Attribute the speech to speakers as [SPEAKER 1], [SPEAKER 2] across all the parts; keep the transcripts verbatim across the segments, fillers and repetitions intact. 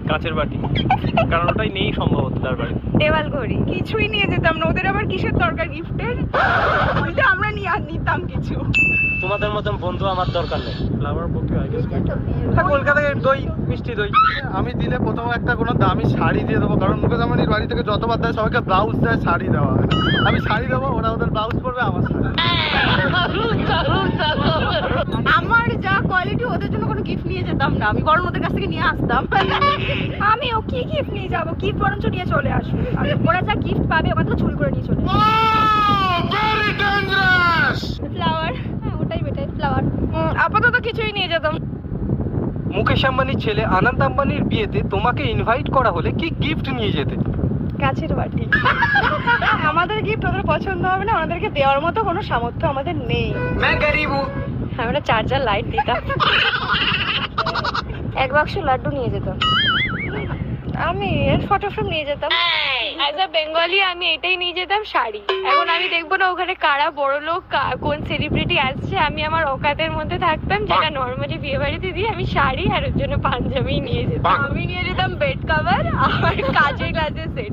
[SPEAKER 1] কাঁচের বাটি, কারণ ওটাই নেই সম্ভবত তার বাড়ি।
[SPEAKER 2] দেওয়াল ঘড়ি কিছুই নিয়ে যেতাম না, ওদের আবার কিসের দরকার গিফটের, ওইটা আমরা নিয়ে আর নিতাম কিছু।
[SPEAKER 1] তোমাদের মতন বন্ধু আমার দরকার নেই। ফ্লাওয়ার বুকে আই গেস কলকাতায় দই, মিষ্টি দই।
[SPEAKER 3] আমি দিলে প্রথম একটা কোনো দামি শাড়ি দিয়ে দেবো, কারণ মুকেশ আম্বানির বাড়ি থেকে যতবার দেয় সবাইকে ব্লাউজ দেয়, শাড়ি দেওয়া হয় না। আমি শাড়ি দেবো, ওরা ওদের ব্লাউজ পরবে, আমার শাড়ি।
[SPEAKER 2] আমার যা কোয়ালিটি, ওদের জন্য কোনো গিফট নিয়ে যেতাম না আমি, বরং ওদের কাছ থেকে নিয়ে আসতাম। আমি ও কি গিফট নিয়ে যাবো, গিফট বরঞ্চ নিয়ে চলে আসবে। ওরা যা গিফট পাবে ওখান থেকে চুরি করে নিয়ে চলে ফ্লাওয়ার, হ্যাঁ ওটাই বেটার, ফ্লাওয়ার। আপাতত কিছুই নিয়ে যেতাম।
[SPEAKER 1] মুকেশ আম্বানির ছেলে আনন্দ আম্বানির বিয়েতে তোমাকে ইনভাইট করা হলে কি গিফট নিয়ে যেতে?
[SPEAKER 2] কাছের বাটি। আমাদের গিফট ওদের পছন্দ হবে না, ওনাদেরকে দেওয়ার মতো কোনো সামর্থ্য আমাদের নেই। আমরা চার্জার লাইট দিতাম। এক বাক্স লাড্ডু নিয়ে যেতাম আমি, এর ফটো ফ্রেম নিয়ে যেতাম। অ্যাজ আ বেঙ্গলি আমি এটাই নিয়ে যেতাম, শাড়ি। এখন আমি দেখবো না ওখানে কারা বড় লোক, কোন সেলিব্রিটি আসছে, আমি আমার অকাতের মধ্যে থাকতাম, যেটা নর্মালি বিয়ে বাড়িতে দিই। আমি শাড়ি আর ওর জন্য পাঞ্জাবি নিয়ে যেতাম। আমি নিয়ে যেতাম বেড কভার আর কাচের গ্লাসের সেট,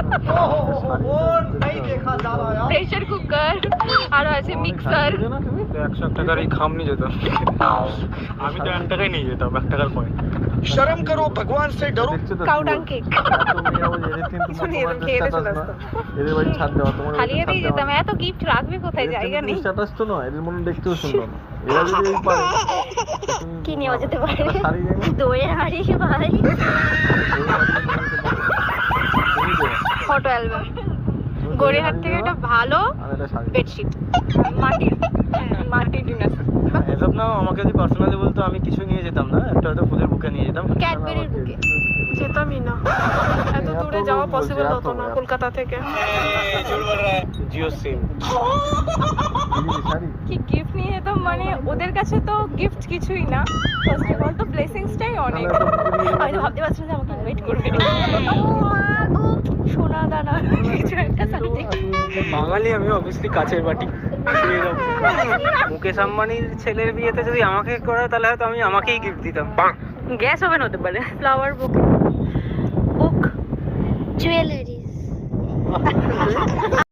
[SPEAKER 2] প্রেসার কুকার, আরো আছে মিক্সার।
[SPEAKER 1] একশো টাকার এই খাম নিয়ে যেতাম। আমি তো এক টাকায় নিয়ে যেতাম, এক টাকার পয়েন্ট। শরম করো, ভগবান সে ডরো।
[SPEAKER 2] কাউডাং কেক
[SPEAKER 3] এদের বাড়ি ছাড় দেওয়া, তোমার
[SPEAKER 2] খালিয়ে দিয়ে যেতাম। এত গিফট রাখবে কোথায়, জায়গা নেই।
[SPEAKER 3] স্ট্যাটাস তো নয়, এদের মনে দেখতেও সুন্দর না। এরা যদি এই পারে
[SPEAKER 2] কি নিয়ে যেতে পারে,
[SPEAKER 3] শাড়ি নেই
[SPEAKER 2] দইয়ের হাড়ি ভাই, ফটো অ্যালবাম, গড়িয়াহাট থেকে একটা ভালো বেডশিট, মাটির মাটির ডিনার।
[SPEAKER 1] এসব না, আমাকে যদি পার্সোনালি বলতো আমি কিছু নিয়ে যেতাম না, একটা হয়তো ফুলের বুকে নিয়ে যেতাম।
[SPEAKER 2] ক্যাডবেরির বুকে যেতামই না, এত দূরে যাওয়া পসিবল হতো না কলকাতা থেকে।
[SPEAKER 1] জিও সিম।
[SPEAKER 2] কি গিফট নিয়ে যেতাম মানে, ওদের কাছে তো গিফট কিছুই না, ফার্স্ট অফ অল তো ব্লেসিংসটাই অনেক। আমি তো ভাবতে পারছি না যে আমাকে ওয়েট করবে সোনা দানা কিছু একটা সামথিং।
[SPEAKER 1] বাঙালি আমি অবভিয়াসলি কাচের বাটি। মুকেশ আম্বানির ছেলের বিয়েতে যদি আমাকে করে তাহলে হয়তো আমি আমাকেই গিফট দিতাম।
[SPEAKER 2] গ্যাস ওভেন হতে পারে, ফ্লাওয়ার বুক, বুক, জুয়েলারিজ।